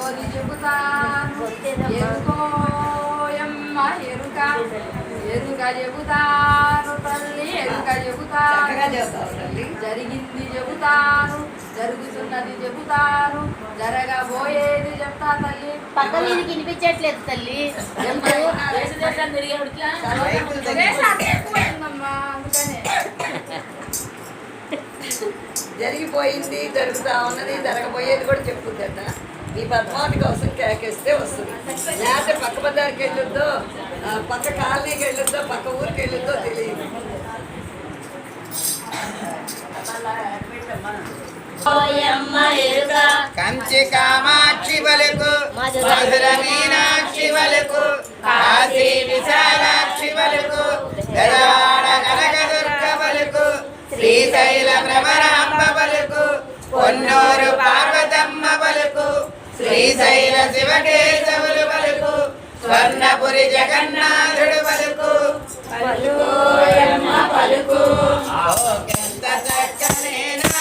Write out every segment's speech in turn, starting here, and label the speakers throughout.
Speaker 1: సోది చెబుతాను ఎరుకోయమ్మ ఎరుక ఎరుక చెబుతాను తల్లి ఎరుక చెబుతాను జరిగింది చెబుతాను జరుగుతున్నది చెబుతాను జరగబోయేది చెప్తా తల్లి.
Speaker 2: పక్క మీదకి వినిపించట్లేదు తల్లి.
Speaker 3: జరిగిపోయింది, జరుగుతా ఉన్నది, జరగబోయేది కూడా చెప్పుద్దట. ఈ పద్మావతి కోసం కేకేస్తే వస్తుంది. లేకపోతే పక్క బజార్కి వెళ్ళొద్దో, పక్క కాలనీకి వెళ్ళొద్దో, పక్క ఊరికి వెళ్ళొద్దో తెలియదు.
Speaker 4: కంచి కామాక్షి వలకు మధుర మీనాక్షి వలకు కాశీ విశాలాక్షి వలకు గజవాడ కనకదుర్గ వలకు శ్రీశైల భ్రమరాంబ వలకు పొన్నూరు పార్వతమ్మ వలకు శ్రీశైల శివకేశవులు వలకు స్వర్ణపురి జగన్నాథుడు వలకు పలుకు ఎంత చక్కనే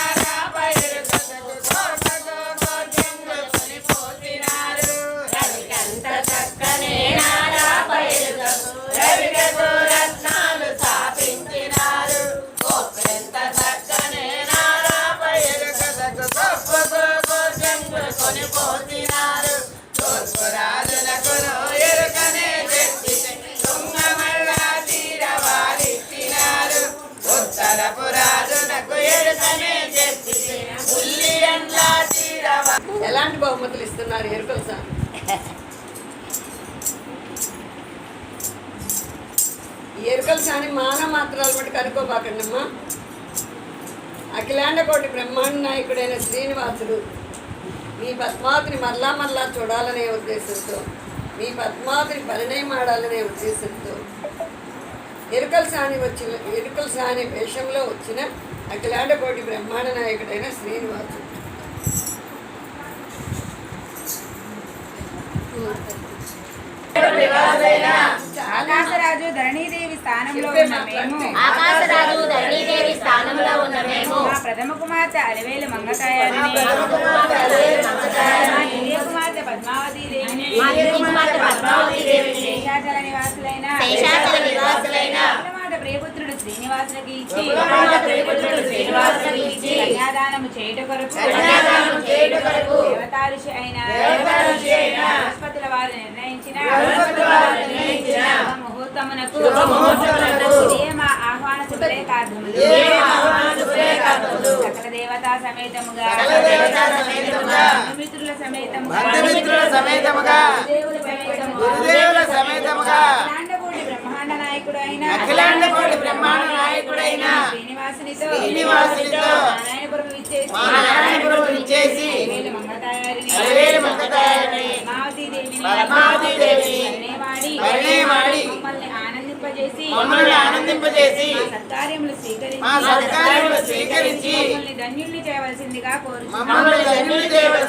Speaker 3: ఎలాంటి బహుమతులు ఇస్తున్నారు ఎరుకల సార్? ఎరుకల సాని మానవ మాత్రాలు బట్టి కనుక్కోబాకండమ్మా. అఖిలాండ కోటి బ్రహ్మాండ నాయకుడైన శ్రీనివాసుడు మీ పద్మావతిని మరలా మరలా చూడాలనే ఉద్దేశంతో, మీ పద్మావతిని పరిణయం ఆడాలనే ఉద్దేశంతో ఎరుకల సాని వేషంలో వచ్చిన అఖిలాండ కోటి బ్రహ్మాండ నాయకుడైన శ్రీనివాసుడు.
Speaker 1: ఆకాశరాజు ధరణీదేవి స్థానంలో ఉన్న మేము మా ప్రథమ కుమార్తె అలివేలు మంగతాయారిని ద్వితీయ కుమార్తె పద్మావతి దేవిని శేషాచల నివాసులైన ప్రియపుత్రుడు శ్రీనివాసులకి ఇచ్చి కన్యాదానము చేయుట కొరకు దేవతారుషి అయిన బృహస్పతుల వారు నిర్ణయించిన ముహూర్తమునకు మా ఆహ్వాన శుభలేఖార్థములు సకల దేవతా సమేతముగా మిత్రుల సమేతముగా గురుదేవుల సమేతముగా అఖిలాండ కోటి బ్రహ్మాండ నాయకుడైన శ్రీనివాసునితో నారాయణపురము విచ్చేసి అలివేలు మంగతాయారిని పద్మావతి దేవిని పరిణయమాడి మమ్మల్ని ఆనందింపజేసి మా సత్కార్యములు స్వీకరించి మమ్మల్ని ధన్యుల్ని చేయవలసిందిగా కోరుచున్నాము.